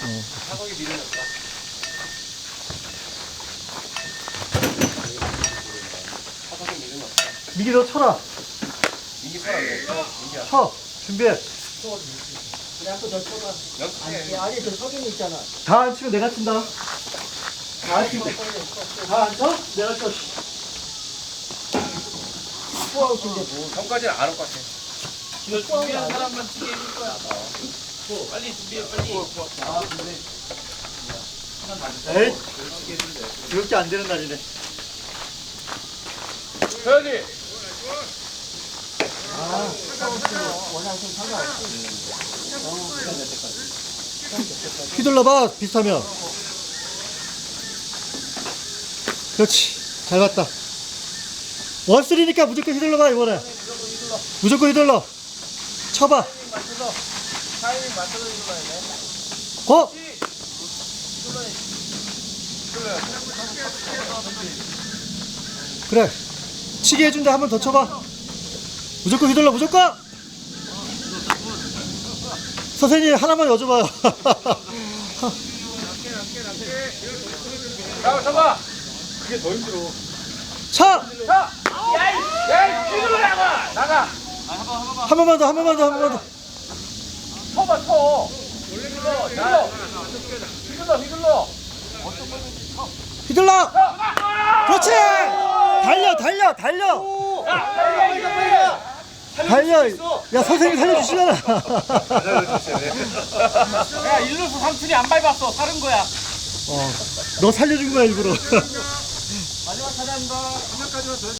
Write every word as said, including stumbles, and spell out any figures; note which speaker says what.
Speaker 1: 타석에 미련이 없다. 타석에 미련이 없다.
Speaker 2: 미기 너 쳐라.
Speaker 1: 민기 쳐라 그래. 민기야.
Speaker 2: 쳐. 준비해.
Speaker 3: 그래, 한번 더 쳐봐.
Speaker 1: 연습해.
Speaker 3: 아니, 저 석인이 있잖아.
Speaker 2: 다 안 치면 내가 친다. 다 안 치면 다 안 쳐? 내가 쳐.
Speaker 3: 후아웃인데 뭐.
Speaker 1: 형까지는 안 올 것 같아.
Speaker 4: 이거 준비한 사람만 치게 해줄 거야. 빨리 준비해, 빨리.
Speaker 1: 아, 근데.
Speaker 2: 에이. 이렇게 안 되는 날이네.
Speaker 1: 서현이!
Speaker 3: 아, 후아웃은 원하는 상관없지.
Speaker 2: 휘둘러봐, 비슷하면. 그렇지. 잘 봤다. 원쓰리니까 무조건 휘둘러봐, 이번에. 무조건 휘둘러. 쳐봐.
Speaker 1: 타이밍 맞춰서 일어나야 돼.
Speaker 2: 고! 그래. 치게 해준다. 한 번 더 쳐봐. 무조건 휘둘러, 무조건! 선생님, 하나만 여쭤봐요.
Speaker 1: 자, 쳐봐! 그게 더 힘들어.
Speaker 2: 차!
Speaker 1: 자! 야이! 야이! 뒤로 나가! 나가!
Speaker 2: 한 번만 더, 한 번만 더, 한 번만 더.
Speaker 1: 쳐봐, 쳐! 휘둘러! 휘둘러! 휘둘러! 휘둘러!
Speaker 2: 휘둘러! 그렇지! 달려, 달려, 달려! 달려! 야, 선생님 살려주시잖아.
Speaker 4: 야, 일루수 삼촌이 안 밟았어. 다른 거야.
Speaker 2: 어, 너 살려준 거야, 일부러.
Speaker 4: 마지막 타자입니다.